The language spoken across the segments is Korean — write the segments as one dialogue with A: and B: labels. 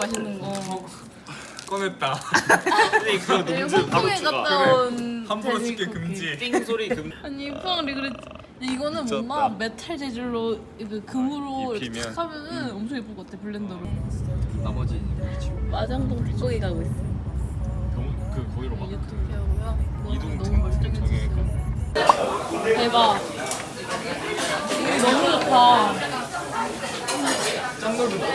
A: 맛있는 거.
B: 꺼냈다. 근데 그거
A: 홍콩에 갔다 온
B: 함부로
A: 돼지
B: 찍게
A: 쿠키.
B: 금지.
C: 띵 소리 금.
A: 아니 푸앙리 그래. 이거는
B: 미쳤다.
A: 뭔가 메탈 재질로 그 금으로 이렇게
B: 입히면.
A: 탁 하면은 엄청 예쁠 것 같아 블렌더로.
C: 나머지
A: 마장동 닭고기 가고 있어.
B: 그 거기로 가.
A: 유튜브 배우고요.
B: 이동
A: 너무 멀쩡해졌어.
B: 정해.
A: 대박. 이거 너무 좋다.
B: 짱 넓은다.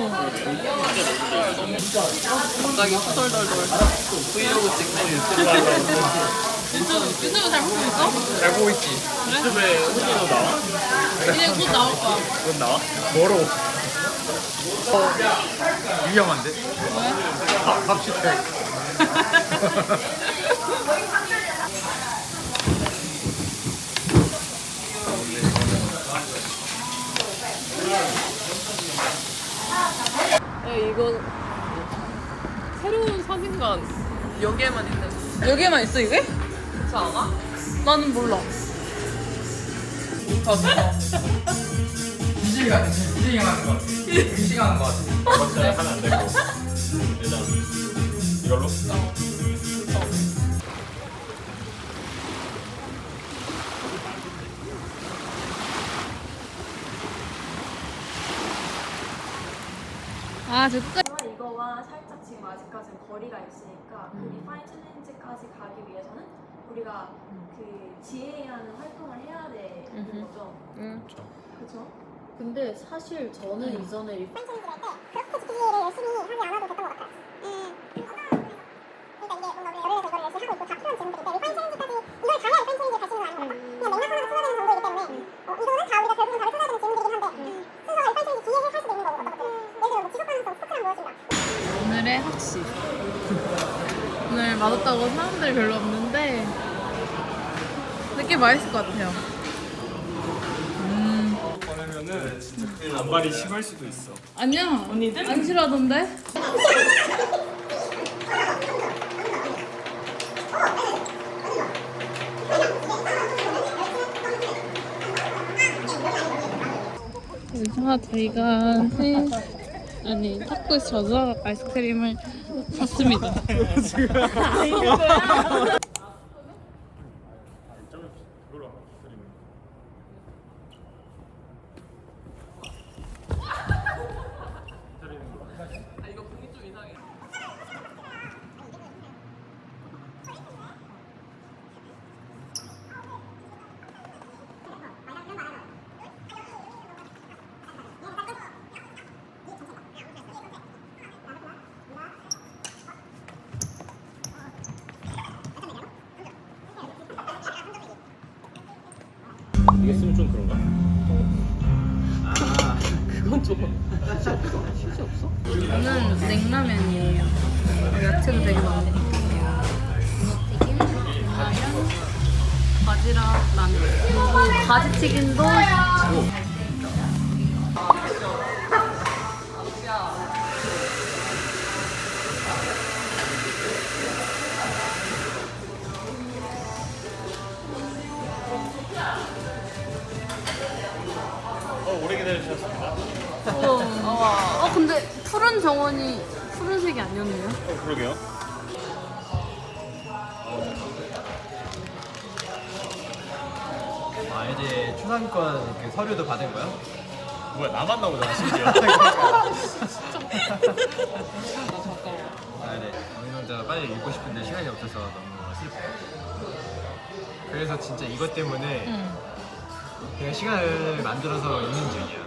C: 갑자기 후덜덜덜 브이로그 찍는
A: 유튜브 잘 보고 있어?
B: 잘 보고 있지. 유튜브에 후기도 나와?
A: 이제 곧 나올 거야.
B: 그건 나와? 멀어. 위험한데?
A: 왜?
B: 갑시다.
C: 이거 새로운 사진관 여기에만 있는
A: 여기에만 있어 이게?
C: 그렇지 않아?
A: 나는 몰라.
B: 이지가 하는 거 같아. 이지가 하는 거 같아. 맞지? 하면 안 되고. 일단 이걸로?
A: 아, 저 끝까지.
D: 이거와 살짝 지금 아직까지는 거리가 있으니까 그 리파인 챌린지까지 가기 위해서는 우리가 그 GA라는 활동을 해야 되는 거죠. 그렇죠? 근데 사실 저는 이전에 리파인
E: 챌린지를 할 때 그렇게 GPA를 열심히 하지 않아도 됐던 것 같아요. 그러니까 이게 뭔가 우리가 열흘에서 이걸 열심히 하고 있고 다 필요한 질문들인데 리파인 챌린지까지 이걸 가야 리파인 챌린지를 갈 수 있는 건 아닌 것 같다. 그냥 맥락하나로 풀어야 되는 정도이기 때문에 이거는 다 우리가 결국은 다를 풀어야 되는 질문들이긴 한데 순서가 리파인 챌린지 뒤에 할 수도 있는 거고 어떤 것들은 예를 들어 뭐 지속 가능성 스포츠란 무엇인가
A: 오늘의 학식. 오늘 맛없다고 사람들이 별로 없는데 근데 꽤 맛있을 것 같아요.
B: 꺼내면은 진짜 단발이 심할 수도 있어.
A: 아니야. 언니들? 안 싫어하던데? 그래서 저희가 탁구에서 저자 아이스크림을 샀습니다.
B: 이게 쓰면 좀 그런가?
C: 그건 좀
A: 저는 냉라면이에요. 야채도 되게 많네. 튀김, 냉라면, 바지락 라면. 그리고 가지튀김도
B: 오래 기다리셨습니다.
A: 근데 푸른 정원이 푸른색이 아니었네요.
B: 그러게요.
F: 아 이제 초상권 그 서류도 받은 거야?
B: 뭐야 나만 나오잖아 심지어.
F: 아 네. 어린왕자가 빨리 읽고 싶은데 시간이 없어서 너무 슬퍼. 그래서 진짜 이것 때문에 그냥 시간을 만들어서 읽는 중이야.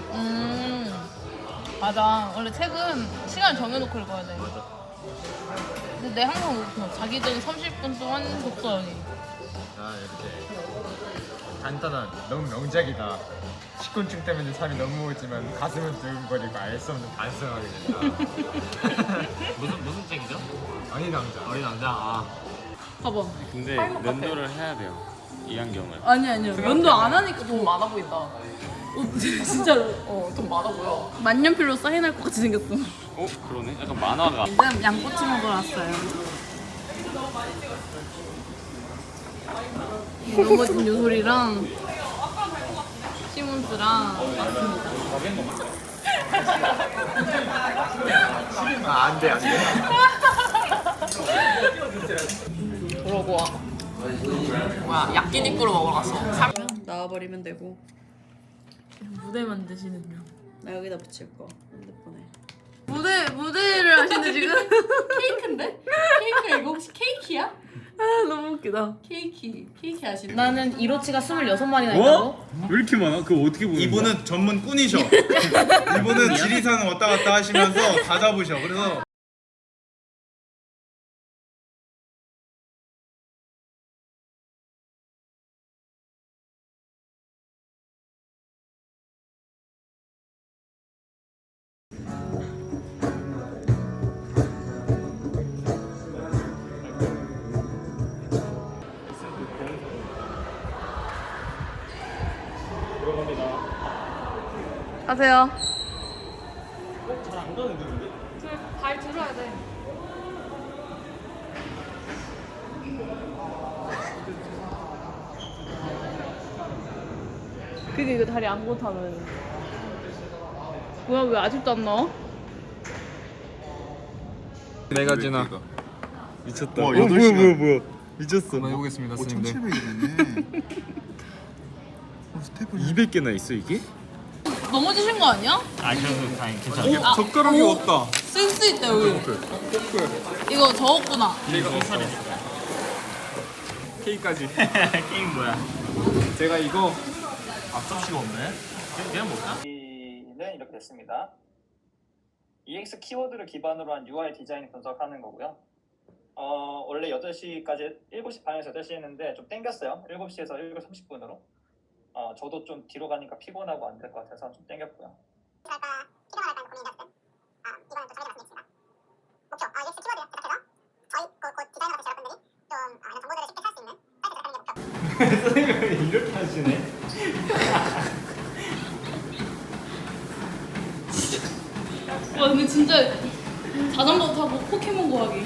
A: 맞아. 원래 책은 시간을 정해놓고 읽어야 돼.
F: 맞아.
A: 근데 내 항상 그렇고 자기 전에 30분 동안 독서하기.
F: 아 이렇게 간단한 너무 명작이다. 식곤증 때문에 잠이 너무 오지만 가슴은 두근거리고 알 수 없는 반성하게 된다.
C: 무슨 책이죠?
F: 어린왕자.
C: 어린왕자. 아
A: 봐봐.
B: 근데 면도를 해야 돼요. 이 안경을.
A: 아니요. 면도 안 하니까
C: 돈 많아 보인다.
A: 진짜로
C: 돈 많아 보여.
A: 만년필로 사인할 것 같이 생겼어.
B: 그러네. 약간 만화가.
A: 지금 양꼬치 먹으러 왔어요. 넘어진 요소리랑 시몬스랑 왔습니다.
F: 안돼 안돼.
C: 그러고 뭐야 야끼니꾸로 먹으러 갔어.
A: 나와버리면 되고. 무대 만드시는 중. 나 여기다 붙일 거 핸드폰에. 무대를 하시는 지금?
G: 케이크인데? 케이크 이거 혹시 케이크야?
A: 아 너무 웃기다.
G: 케이크 하시는
A: 나는 이로치가 26마리나 있다고?
H: 어? 왜 이렇게 많아? 그거 어떻게 보는 거야?
B: 이분은 전문 꾼이셔. 이분은 지리산 왔다 갔다 하시면서 다 잡으셔. 그래서
A: 가세요.
F: 잘안 가는데 근데?
A: 발 들어야 돼. 그게 이거 다리 안 고타는. 뭐야 왜 아직도 안 나와?
F: 내가 지나.
H: 미쳤다.
B: 와,
H: 어,
B: 8시간.
H: 뭐야. 미쳤어.
F: 한번 해보겠습니다, 스님들.
B: 1700이네. 스텝을
H: 200개나 있어 이게?
A: 넘어지신 거 아니야?
F: 아 그래도 다행 괜찮아.
H: 젓가락이 없다.
A: 센스 있다 여기. 이거 저었구나.
F: K까지. K 뭐야? 제가 이거 앞접시가 없네. 그냥 뭘까?
I: 는 이렇게 됐습니다. EX 키워드를 기반으로 한 UI 디자인 분석하는 거고요. 원래 8시까지 7시 반에서 8시 했는데 좀 땡겼어요. 7시에서 7시 30분으로. 저도 좀 뒤로 가니까 피곤하고 안 될 것 같아서 좀 땡겼고요.
E: 할까 필요가 할까 고민이었어요. 이거는 또 저희가 말씀드리겠습니다. 목표 EX 키워드 시작해서 저희 곧 디자이너 같은 여러분들이 좀 이런 정보들을 쉽게 찾을 수 있는 사이트 제작하는 게 목표.
F: 선생님이 이렇게 하시네.
A: 와 근데 진짜 자전거 타고 포켓몬 구하기.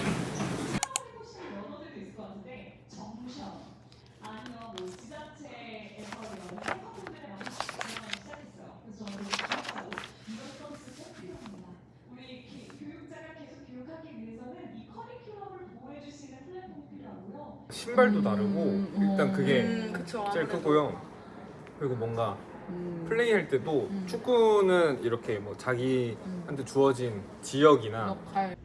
F: 신발도 다르고 일단 그게
A: 그쵸.
F: 제일 크고요. 그리고 뭔가 플레이할 때도 축구는 이렇게 뭐 자기한테 주어진 지역이나
A: 역할.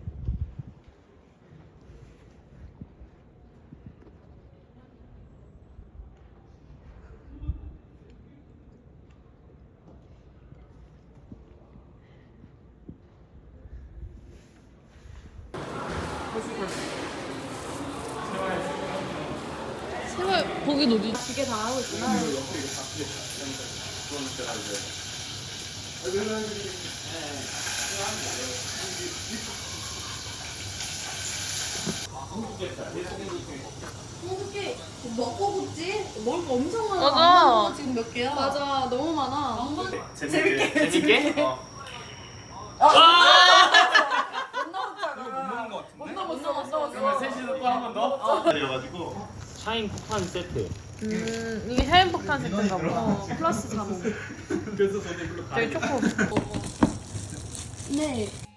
A: 세월 거긴 어디? 기계 다 하고 있구나.
G: 어떻게 먹고 굽지? 먹을 거 엄청 많아.
A: 맞아.
G: 안 먹은 거 지금 몇 개야?
A: 맞아 너무 많아.
F: 재밌게?
B: 못 남았어. 그러면 셋이서 또 한 번 더? 그래가지고
F: 샤인 폭탄 세트.
A: 이게 샤인 폭탄 세트인가 보다. 플러스 자몽.
B: 그래서 저도 별로
A: 저기 초코.
G: 네.